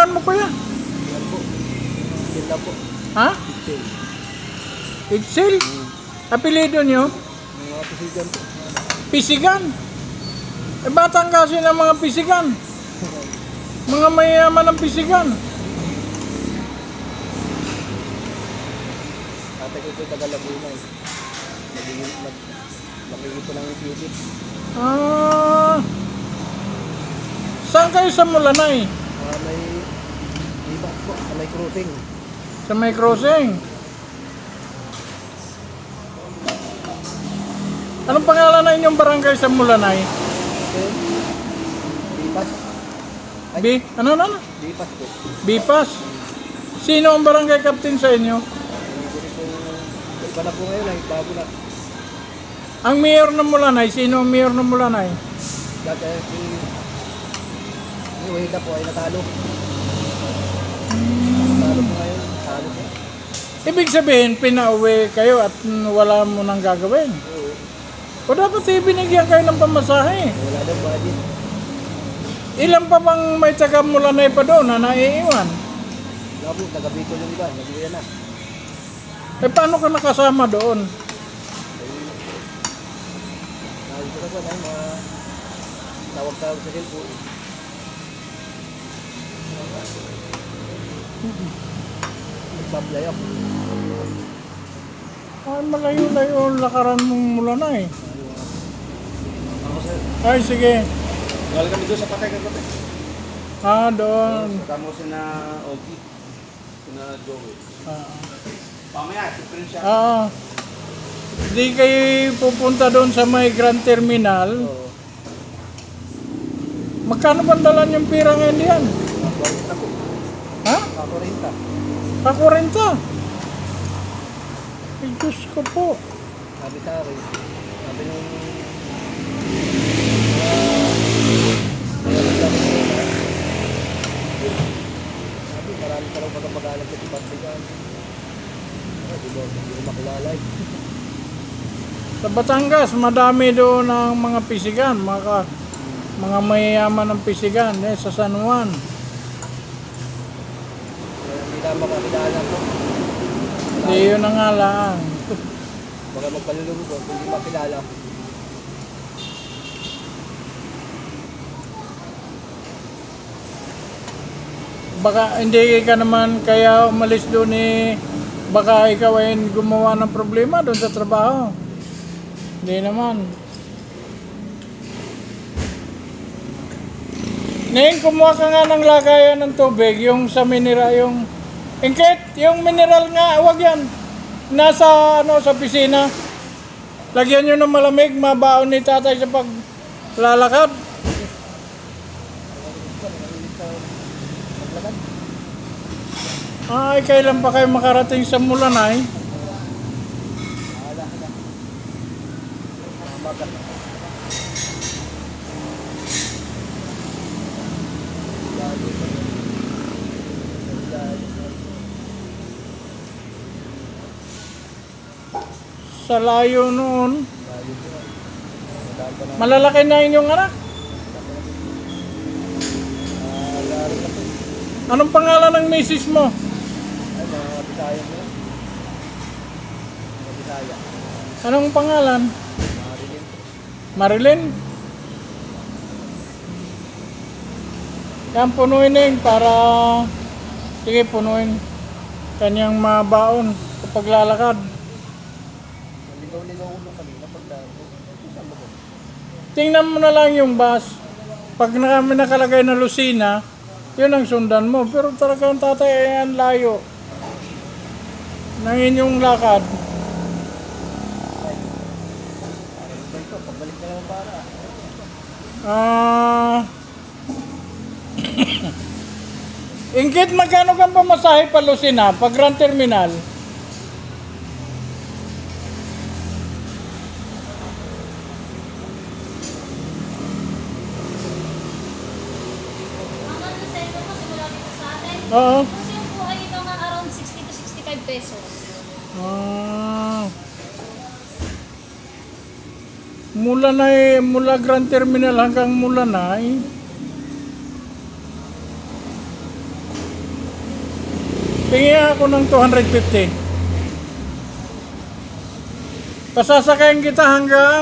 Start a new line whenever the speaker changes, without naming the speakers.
pangalan mo kuya?
Yan po. Sila po.
Ha?
Excel.
Excel? Apelido nyo?
Mga pisigan po.
Pisigan? Eh, batang kasi ng mga pisigan. Mga mayaman ng pisigan.
Tatay ko po taga Laguna eh. Makikita po ng Philip.
Ah, saan kayo sa Mulanay?
May iba po. May crossing.
Sa may crossing. Anong pangalan na inyong barangay sa Mulanay?
Okay. Bipas.
Ano?
Bipas po.
Bipas. Sino ang barangay captain sa inyo?
Iba na po ngayon ay bago na.
Ang mayor ng Mulanay. Sino ang mayor ng Mulanay?
Dati si Wahida po ay natalo. Natalo po ngayon. Natalo po.
Ibig sabihin, pinauwi kayo at wala mo nang gagawin.
Oo.
O dapat ibinigyan kayo ng pamasahe.
Wala daw budget.
Ilan pa bang may taga Mulanay pa doon na naiiwan?
Wala po. Taga-Bicol yung iba. Nag-uwi na.
Eh paano ka nakasama doon?
Nakita ko po na yung mga tawag-tawag sa cellphone. Nagsablay ako.
Ay, malayo-layo ang lakaran mong Mulanay.
Ako sir.
Ay, sige.
Galing kami doon sa patay kagabi.
Ah, doon.
Kasama ko si na Ogie. Si na Joey.
Ah.
Pamaya, different siya.
Di kayo pupunta doon sa may Grand Terminal.
Oo.
Magkano ba dalan yung pira ngayon diyan?
Pakorenta po.
Ha?
Pakorenta.
Pakurenta. Ay, Diyos ko po.
Sabi sa akin. Sabi nung... Sabi, marami ka lang pagkapagalan sa Tipat-Tigan. Di ko makilala eh.
Sa Batangas, madami doon ang mga pisigan, mga mayayaman ng pisigan sa San Juan.
Kaya hindi na makakilala po.
Di yun ang nga lang.
Baka magpalulong ko, hindi makilala.
Baka hindi ka naman kaya umalis doon baka ikaw ay gumawa ng problema doon sa trabaho. Hindi naman. Ngayon, kumuha ka nga ng lagayan ng tubig, yung sa mineral, yung... Ingkit, yung mineral nga, wag yan. Nasa, sa pisina. Lagyan nyo ng malamig, mabaon ni tatay sa paglalakad. Ay, kailan pa kayo makarating sa Mulanay? Sa layo noon. Malalaki na inyong anak. Anong pangalan ng misis mo?
Ay, mga Bisaya mo. Mga Bisaya.
Anong pangalan?
Marilyn.
Marilyn? Yan, punuin na yun para... Sige, punuin. Kanyang mabaon kapag lalakad.
Ligaw-ligaw ko nung kanina pagdaan.
Tingnan mo na lang yung bus. Pag kami nakalagay na Lucina, yun ang sundan mo. Pero talagang tatay ay ang layo ng inyong lakad.
Pagbalik na naman para.
Ingkit, magkano kang pamasahe pa Lucina pag Grand Terminal? Oo.
Kasi yung po ay mga around 60 to 65 pesos.
Mula Grand Terminal hanggang Mulanay. Tingin ako ng 250. Pasasakayin kita hanggang